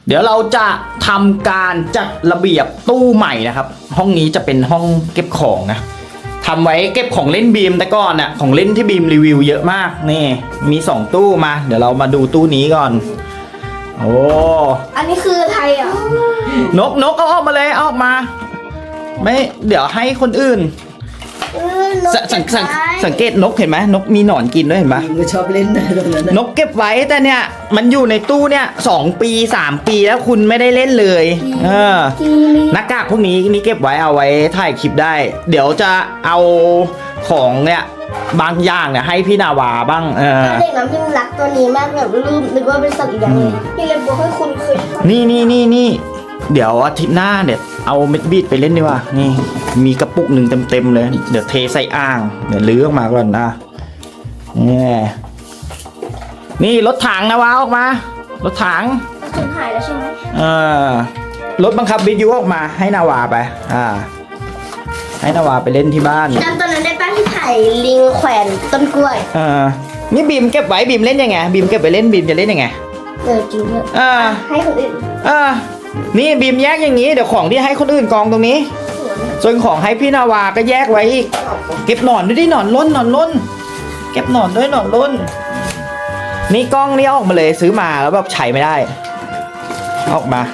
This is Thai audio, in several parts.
เดี๋ยวเราจะทำการจัดระเบียบตู้ใหม่นะครับห้องนี้จะเป็นห้องเก็บของนะทำไว้เก็บของเล่นบีมแต่ก่อนน่ะของเล่นที่บีมรีวิวเยอะมากนี่มี2ตู้มาเดี๋ยวเรามาดูตู้นี้ก่อนโอ้อันนี้คือไทยอ่ะนกเอาออกมาเลยเอาออกมาไม่เดี๋ยวให้คนอื่นสังเกตนกเห็นไหมนกมีหนอนกินด้วยเห็นไหมยิงก็ชอบเล่นนะตรงนั้นนกเก็บไว้แต่เนี่ยมันอยู่ในตู้เนี่ย2 ปี3 ปีแล้วคุณไม่ได้เล่นเลยหน้ากากพวกนี้นี่เก็บไว้เอาไว้ถ่ายคลิปได้ เดี๋ยวจะเอาของเนี่ยบางอย่างเนี่ยให้พี่นาวาบ้างเด็กน้ำพิมรักตัวนี้มากแบบลืมนึกว่าเป็นสัตว์อีกอย่างนึงพี่เลยบอกให้คุณเคยนี่เดี๋ยวอาทิตย์หน้าเดี๋ยวเอาเม็ดบีดไปเล่นดีกว่านี่มีกระปุกหนึ่งเต็มเลยเดี๋ยวเทใส่อ่างเดี๋ยวลื้อออกมาก่อนนะนี่รถถังนะวะออกมารถถังถึงหายแล้วใช่ไหมรถบังคับวิทยุออกมาให้นาวาไปให้นาวาไปเล่นที่บ้านจำตอนนั้นได้ป้าที่ถ่ายลิงแขวนต้นกล้วยนี่บีมเก็บไว้บีมเล่นยังไงบีมเก็บไปเล่นบีมจะเล่นยังไงจริงด้วยให้คนอื่นนี่บีมแยกอย่างนี้เดี๋ยวของที่ให้คนอื่นกองตรงนี้ส่วนของให้พี่นาวาก็แยกไว้อีกเก็บหนอนด้วยดิหนอนล้นเก็บหนอนด้วยหนอนล้นนี่กล้องนี่ออกมาเลยซื้อมาแล้วแบบใช้ไม่ได้ออกมา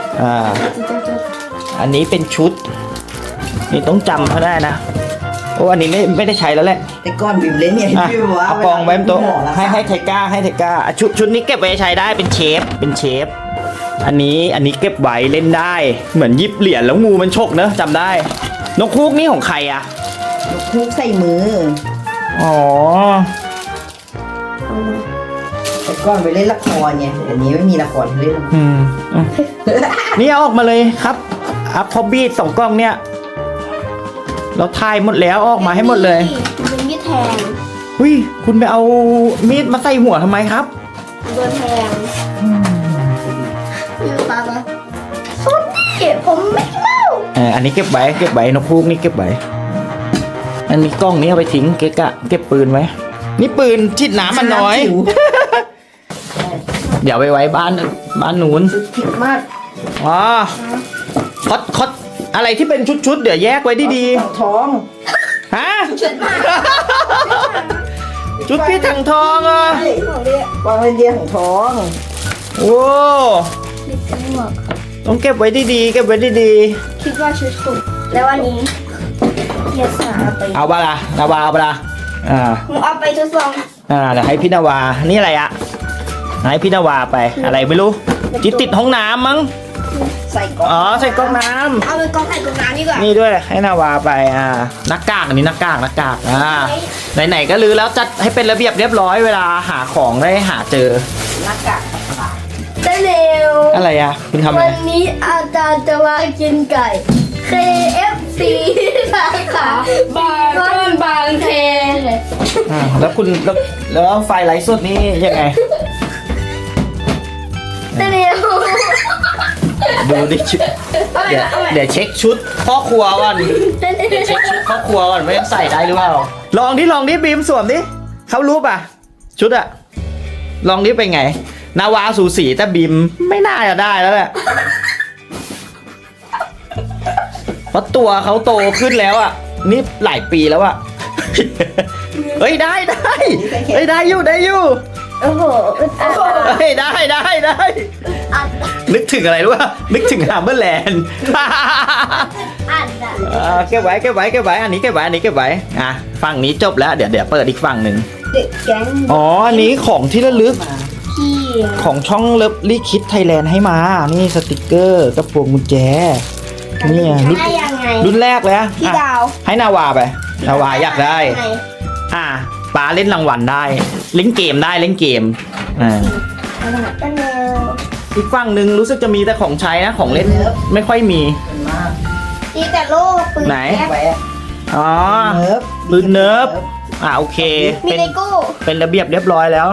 อันนี้เป็นชุดนี่ต้องจำเขาได้นะโอ้อันนี้ไม่ได้ใช้แล้วแหละแต่ก้อนบิมเล่นเนี่ยพี่บอกว่าเอากองไว้บนโต๊ะให้ไทก้าชุดนี้เก็บไว้ใช้ได้เป็นเชฟอันนี้เก็บไว้เล่นได้เหมือนยิบเหรียญแล้วงูมันฉกเนอะจำได้นกฮูกนี่ของใครอะนกฮูกใส่มืออ๋อแต่ก้อนไปเล่นละครไงอันนี้ไม่มีละครเล่นนี่เอาออกมาเลยครับอัพพอบีด2 กล้องเนี่ยเราถ่ายหมดแล้วออกมาให้หมดเลยเป็นมีดแทงคุณไปเอามีดมาใส่หัวทำไมครับโดนแทงอยู่ปะสุดนี่ผมไม่เล่าอันนี้เก็บไว้นกฮูกนี่เก็บไว้อันนี้กล้องนี้เอาไปทิ้งเก็บปืนไว้นี่ปืนชิดน้ำมันน้อยเดี๋ยวไปไว้บ้านนู้นผิดมากคดอะไรที่เป็นชุดเดี๋ยวแยกไว้ดีๆท้องฮะชุดพี่ถังทองอ่ะวางไว้เดียวของท้องโอ้ต้องเก็บไว้ดีๆคิดว่าชุดคุณแล้ววันนี้เกียร์สาไปเอาบาละนาวาเอาบาละเอาไปทดลองเดี๋ยวให้พี่นาวานี่อะไรอะให้พี่นาวาไปอะไรไม่รู้ติดห้องน้ำมั้งใส่ก๊อกใส่ก๊อกน้ำเอาไปก๊อกใส่ก๊อกน้ำดีกว่านี่ด้วยให้นาวาไปหน้ากากอันนี้หน้ากากไหนๆก็ลื้อแล้วจัดให้เป็นระเบียบเรียบร้อยเวลาหาของได้หาเจอหน้ากากได้เร็วอะไรอะคุณทำอะไรวันนี้อาจารย์จะมากินไก่ KFC สาขาบางเทแล้วคุณแล้วไฟไลฟ์สดนี่ยังไงได้เร็วดูดิเดี๋ยวเช็คชุดพ่อครัวก่อนเช็คชุดพ่อครัวก่อนว่ายังใส่ได้หรือเปล่าลองดิบีมสวมดิเขารู้ป่ะชุดอะลองดิเป็นไงนาวาสูสีแต่บีมไม่น่าจะได้แล้วแหละเพราะตัวเขาโตขึ้นแล้วอะนี่หลายปีแล้วอะเฮ้ยได้อยู่โอ้โหเฮ้ยได้นึกถึงอะไรรู้ป่ะนึกถึงฮัมเบอร์แลนด์เก็บไว้อันนี้เก็บไว้ฝั่งนี้จบแล้วเดี๋ยวเปิดอีกฝั่งหนึ่งอันนี้ของที่ระลึกของช่องเลิฟลี่คิดไทยแลนด์ให้มานี่สติกเกอร์กระพวงกุญแจนี่รุ่นแรกเลยพี่ดาวให้นาวาไปนาวาอยากได้ป้าเล่นรางวัลได้เล่นเกมอีกฝั่งหนึ่งรู้สึกจะมีแต่ของใช้นะของเล่นไม่ค่อยมีมีแต่โล่ปืนไหนปืนเนิร์ฟโอเคเป็นระเบียบเรียบร้อยแล้ว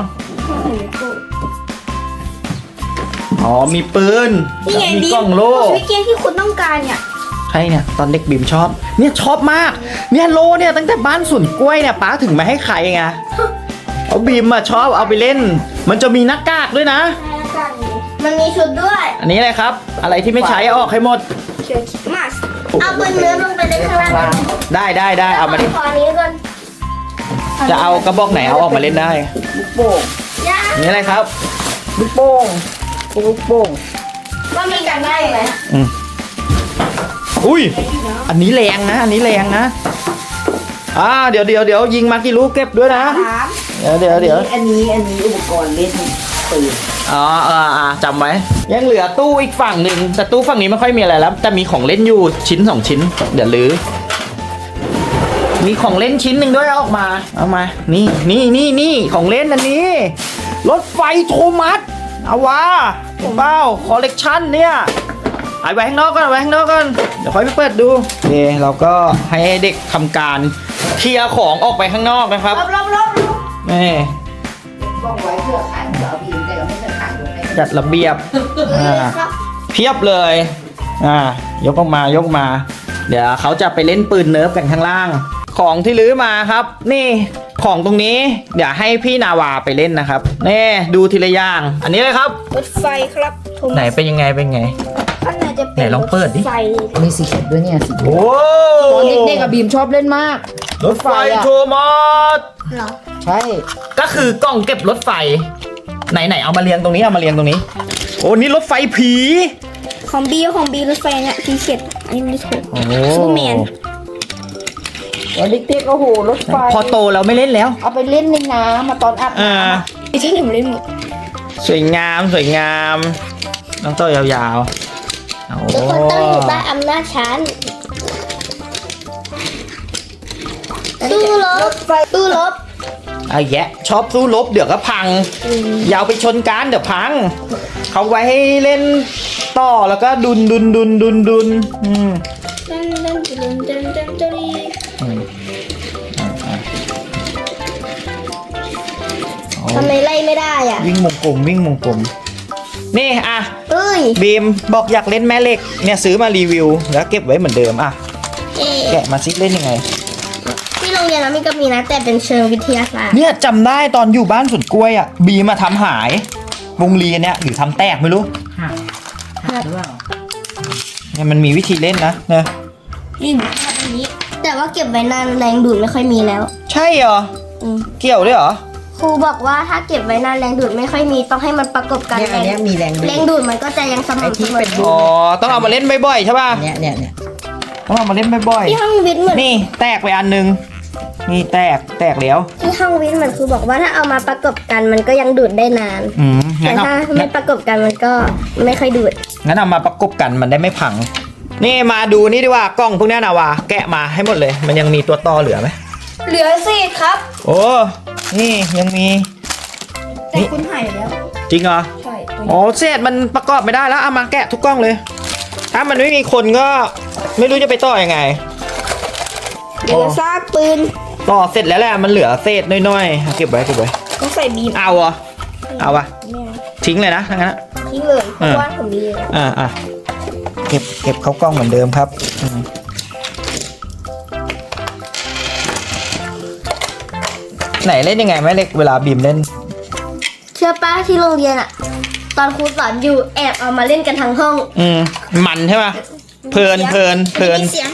มีปืนมีกล้องโล่วิกเกมที่คุณต้องการเนี่ยใช่เนี่ยตอนเด็กบีมชอบเนี่ยชอบมากเนี่ยโลเนี่ยตั้งแต่บ้านสวนกล้วยเนี่ยป้าถึงมาให้ใครไงเอาบีมมาชอบเอาไปเล่นมันจะมีหน้ากากด้วยนะมันมีชุดด้วยอันนี้อะไรครับ อะไรที่ไม่ใช้เอาออกให้หมดเชือกคิดมาสเอาปืนเนื้อลงไปในข้างล่างได้เอามาดิขอนี้ก่อนจะเอากระบอกไหนเอาออกมาเล่นได้ลูกโป่งย่าอันนี้อะไรครับลูกโป่งลูกโป่งว่ามีกันได้ไหมอืมอุ้ยอันนี้แรงนะอันนี้แรงนะเดี๋ยวยิงมากี่ลูกเก็บด้วยนะ เดี๋ยวอันนี้อุปกรณ์เล่นปืนจำไว้ยังเหลือตู้อีกฝั่งหนึ่งแต่ตู้ฝั่งนี้ไม่ค่อยมีอะไรแล้วแต่มีของเล่นอยู่ชิ้น2 ชิ้นเดี๋ยวลื้อมีของเล่นชิ้นหนึ่งด้วยเอาออกมาเอามานี่ของเล่นอันนี้รถไฟโทมัสเอาวะเห็นเปล่าคอลเลกชันเนี่ยเอาไว้ข้างนอกก่อนเดี๋ยวค่อยไปเปิดดูนี่เราก็ให้เด็กทำการเคลียร์ของออกไปข้างนอกนะครับรอบนี่กล้องไว้เพื่อขันเดี๋ยวเอาบีมแต่เราไม่จะขันลงไปจัดระเบียบครับเพียบเลยยกออกมายกมา เดี๋ยวเขาจะไปเล่นปืนเนิร์ฟกันข้างล่าง ของที่ลื้อมาครับ นี่ของตรงนี้เดี๋ยวให้พี่นาวาไปเล่นนะครับนี่ดูทีละอย่างอันนี้เลยครับรถไฟครับโทไหนมัสเป็นยังไงข้างในจะเป็นไหนลองเปิดดิรถไฟมีสีเขียวด้วยเนี่ยสีเขียวโอ้ตอนเด็กๆกับบีมชอบเล่นมากรถไฟโทมัสเหรอใช่ก็คือกล่องเก็บรถไฟไหนเอามาเรียงตรงนี้โอ้นี่รถไฟผีของบีรถไฟเนี่ยทีเข็ดอันนี้ไม่ถูกโอ้ซูเปอร์แมนตอนเด็กๆโอ้โหรถไฟพอโตเราไม่เล่นแล้วเอาไปเล่นในน้ำมาตอนอาบน้ำไม่ใช่หนูเล่นหมดสวยงามน้องโตยาวๆโอ้ทุกคนต้องอยู่ใต้อำนาจฉันตู้รบไอ้แยะชอบสู้รบเดี๋ยวก็พังอยาวไปชนกันเดี๋ยวพัง เขาไว้ให้เล่นต่อแล้วก็ดุนอืมทำไมไล่ไม่ได้อ่ะวิ่งวงกลมนี่อ่ะเอ้ยบีมบอกอยากเล่นแม่เหล็กเนี่ยซื้อมารีวิวแล้วเก็บไว้เหมือนเดิมอ่ะเอ๊ะแกะมาซิเล่นยังไงที่โรงเรียนเรามีก็มีนะแต่เป็นเชิงวิทยาศาสตร์เนี่ยจำได้ตอนอยู่บ้านสวนกล้วยอ่ะบีมาทำหายวงลีเนี่ยหรือทำแตกไม่รู้หักหรือเปล่าเนี่ยมันมีวิธีเล่นนะเนี่ยนี่อันนี้ แต่ว่าเก็บไว้นานแรงดูดไม่ค่อยมีแล้วใช่เหรออืมเกี่ยวด้วยเหรอครูบอกว่าถ้าเก็บไว้นานแรงดูดไม่ค่อยมีต้องให้มันประกบกันเนี่ยอันเนี้ยมีแรงดูแรงดูดมันก็จะยังสไอ้ม่ำเสที่มอเป็นรูอ๋อต้องเอามาเล่นบ่อยๆใช่ป่ะเนี่ยต้องเอามาเล่นบ่อยที่ห้องวิทย์เหมือนๆนี่แตกไปอันนึงนี่แตกแล้วที่ห้องวิทย์เหมือนครูบอกว่าถ้าเอามาประกบกันมันก็ยังดูดได้นาน แต่งั้นถ้าเอาไม่ประกบกันมันก็ไม่ค่อยดูดงั้นเอามาประกบกันมันได้ไม่พัง นี่มาดูนี่ดีกว่ากล้องพวกเนี้ยนะวะแกะมาให้หมดเลย มันยังมีตัวต่อเหลือไหมเหลือสิครับโอ้นี่ยังมีแต่คุณหายไปแล้วจริงเหรอใช่โอ้เศษมันประกอบไม่ได้แล้วเอามาแกะทุกกล้องเลย ถ้ามันไม่มีคนก็ไม่รู้จะไปต่อยังไงเหลือซากปืนต่อเสร็จแล้วแหละมันเหลือเศษน้อยๆเก็บไว้ต้องใส่บีมเอาเหรอเอาปะไม่เอาทิ้งเลยนะทั้งนั้นอะทิ้งเลยเพราะว่าผมมีเลยเก็บเข้ากล้องเหมือนเดิมครับไหนเล่นยังไงแม่เล็กเวลาบีมเล่นเชื่อป้าที่โรงเรียนอะตอนครูสอนอยู่แอบเอามาเล่นกันทั้งห้องมันใช่ปะเพลินมีเสียง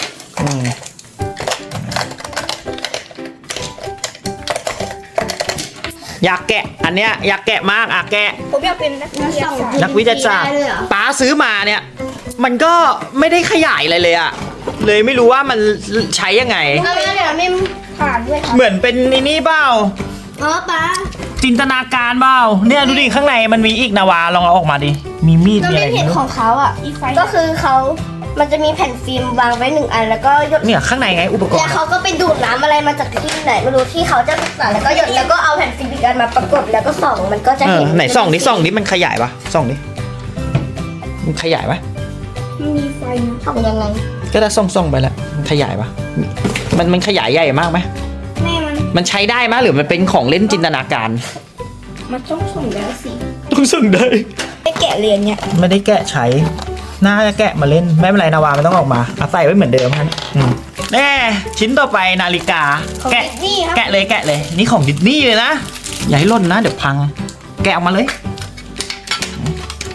อยากแกะอันเนี้ยอยากแกะมากแกะผมอยากเป็นนักวิทยาศาสตร์นักวิทยาศาสตร์ป้าซื้อมาเนี่ย มันก็ไม่ได้ขยายอะไรเลยอะเลยไม่รู้ว่ามันใช้ยังไงเอาไปเดี๋ยวไม่ผ่านด้วยครับเหมือนเป็นนี่เปล่าอ๋อป้าจินตนาการเปล่าเนี่ยดูดิข้างในมันมีอีกนาวาลองเอาออกมาดิมีมีดเรามีอะไรเล่นเห็นไม่ขรู้องเขาอ่ะก็คือมันจะมีแผ่นฟิล์มวางไว้1 อันแล้วก็หยดเนี่ยข้างในไงอุปกรแล้วณ์เขาก็ไปดูดน้ำอะไรมาจากที่ไหนไม่รู้ที่เขาจะศึกษาแล้วก็หยดแล้วก็เอาแผ่นฟิล์มอีกอันมาประกบแล้วก็ส่องมันก็จะเห็นไหนส่องดิมันขยายปะส่องดิมันขยายปะมีไฟนะส่องยังไงก็ได้ส่องไปแล้วมันขยายปะมันขยายใหญ่มากไหมแม่มันใช้ได้ไหมหรือมันเป็นของเล่นจินตนาการมันต้องส่องแล้วสิต้องส่องได้ไปแกะเรียนเนี่ยไม่ได้แกะใช้น่าจะแกะมาเล่นไม่เป็นไรนาวาไม่ต้องออกมาเอาใส่ไว้เหมือนเดิมฮะแน่ชิ้นต่อไปนาฬิกาของแกะดิสนีย์ครับแกะเลยนี่ของดิสนีย์เลยนะอย่าให้หล่นนะเดี๋ยวพัง แกะออกมาเลย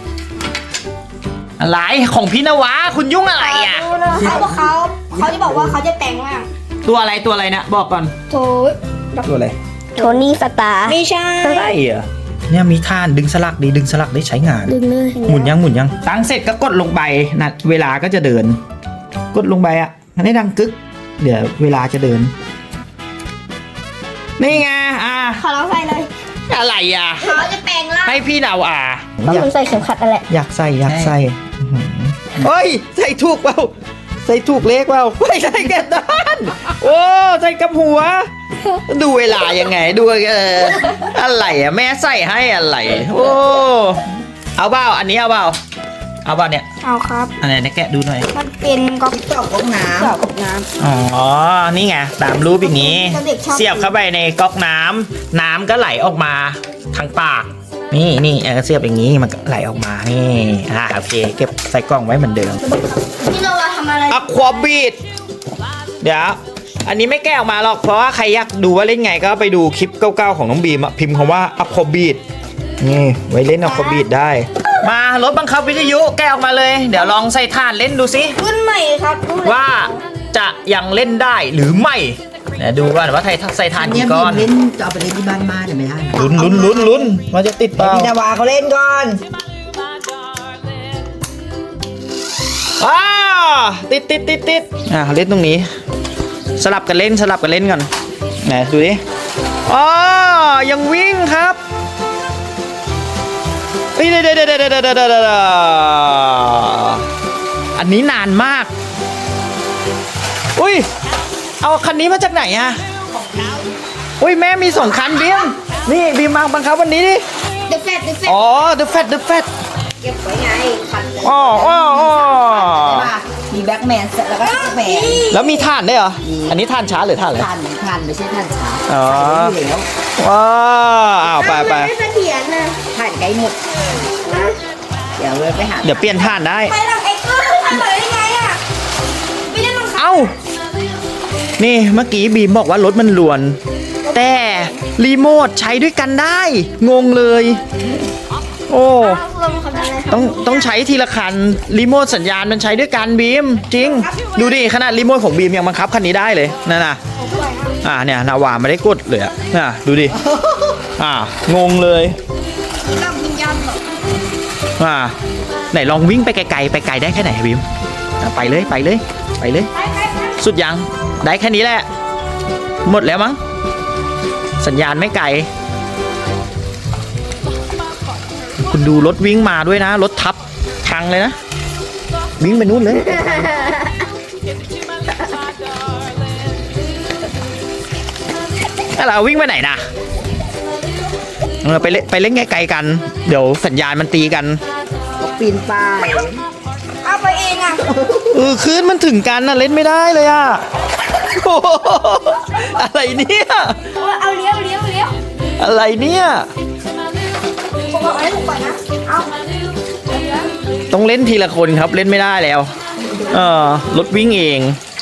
อะไรของพี่นวะคุณยุ่งอะไรอ่ะดูนะเขาจะบอกว่าเขาจะแต่งร่างตัวอะไรนะบอกก่อนโถตัวอะไรโทนี่สตาร์ไม่ใช่ใช่เหรอเนี่ยมีท่านดึงสลักดึงสลักได้ใช้งานดึงเลยหมุนยังตั้งเสร็จก็กดลงไปนะเวลาก็จะเดิน กดลงไปอ่ะมันได้ดังกึกเดี๋ยวเวลาจะเดินนี่ไงขอร้องใส่เลยอะไรอ่ะเขาจะแต่งร่างให้พี่นาวต้องมันใส่เข็มขัดอะไรอยากใส่อื้อหือเฮ้ยใส่ถูกเปล่าใส่ถูกเลขเปล่าไม่ใส่แกนด้านโอ้ใส่กับหัว ดูเวลายังไงดูอะไรอ่ะแม่ใส่ให้อะไรโอ้เอาเปล่าอันนี้เอาเปล่าเนี่ยเอาครับอันไหนแกะดูหน่อยมันเป็นก๊อกตอกก๊อกน้เจาะกับน้อ๋อนี่ไงตามรูปอย่างนี้เด็กชอบเสียบเข้าไปในก๊อกน้ำน้ำก็ไหลออกมาทางปากนี่เสียบอย่างนี้มันก็ไหลออกมานี่โอเคเก็บใส่กล่องไว้เหมือนเดิมพี่โนวาทำอะไรอะควาบีดเดี๋ยวอันนี้ไม่แก้ออกมาหรอกเพราะว่าใครอยากดูว่าเล่นไงก็ไปดูคลิปเก่าๆของน้องบีมอะพิมพ์คำว่าอะควาบีดนี่ไว้เล่นอะควาบีดได้มารถบังคับวิทยุแก้ออกมาเลย เดี๋ยวลองใส่ถ่านเล่นดูสิรุ่นใหม่ครับรุ่นใหม่ว่าจะยังเล่นได้หรือไม่เดี๋ยวดูก่อนว่าใส่ถ่านำเนี่กี่ยก้อนเล่นจะเอาไปเล่นที่บ้านมาเดี๋ยวไม่ได้นะลุ้นว่าจะติดเปล่าพี่นาวาเขาเล่นก่อนอ้าวติดเล่นตรงนี้ สลับกันเล่นก่อนไหนดูดิอ๋อยังวิ่งครับเดี๋ยวอันนี้นานมากอุ้ยเอาคันนี้มาจากไหนอะอุ้ยแม่มี2 คันบีมนี่บีมมาบังคับวันนี้ดิเดอะแฟตอ๋อ The Fat เก็บไว้ไงคันเลยอ๋อมีแบ็กแมนแล้วก็ซุปเปอร์แมนแล้วมีถ่านด้วยเหรอ อันนี้ถ่านช้าหรือถ่านอะไรทันไม่ใช่ทันช้าอ๋อใส่อยู่แล้วว้าวอ้าวไปไม่เสถียรนะทันไกลหมดเดี๋ยวเลยไปหาเดี๋ยวเปลี่ยนถ่านได้ไปหลังเอ็กซ์ก็ทำเลยได้ไงอ่ะไม่ได้บังคับเอ้า นี่เมื่อกี้บีมบอกว่ารถมันลวน แต่รีโมทใช้ด้วยกันได้ งงเลย โอ้ลงคำนั้นเลยครับต้องใช้ทีละคัน รีโมทสัญญาณมันใช้ด้วยกันบีม จริง ดูดิขนาดรีโมทของบีมยังบังคับคันนี้ได้เลยนั่นน่ะ เนี่ยนาวาไม่ได้กดเลยอ่ะดูดิ งงเลยลองวิญญาณเหรอไหนลองวิ่งไปไกลๆไปไกลได้แค่ไหนบีมไปเลยไปสุดยังได้แค่นี้แหละ หมดแล้วมั้งสัญญาณไม่ไกล คุณดูรถวิ่งมาด้วยนะ รถทับพังเลยนะ วิ่งไปนู่นเลยเราวิ่งไปไหนนะไปเล่นไกลๆกัน เดี๋ยวสัญญาณมันตีกันปีนป่ายเอาไปเองอ่ะคลื่นมันถึงกันนะเล่นไม่ได้เลยอะโอ้โหอะไรเนี่ยเอาเลี้ยวอะไรเนี่ยผมบอกให้ถูกก่อนนะเอาต้องเล่นทีละคนครับเล่นไม่ได้แล้วรถวิ่งเอง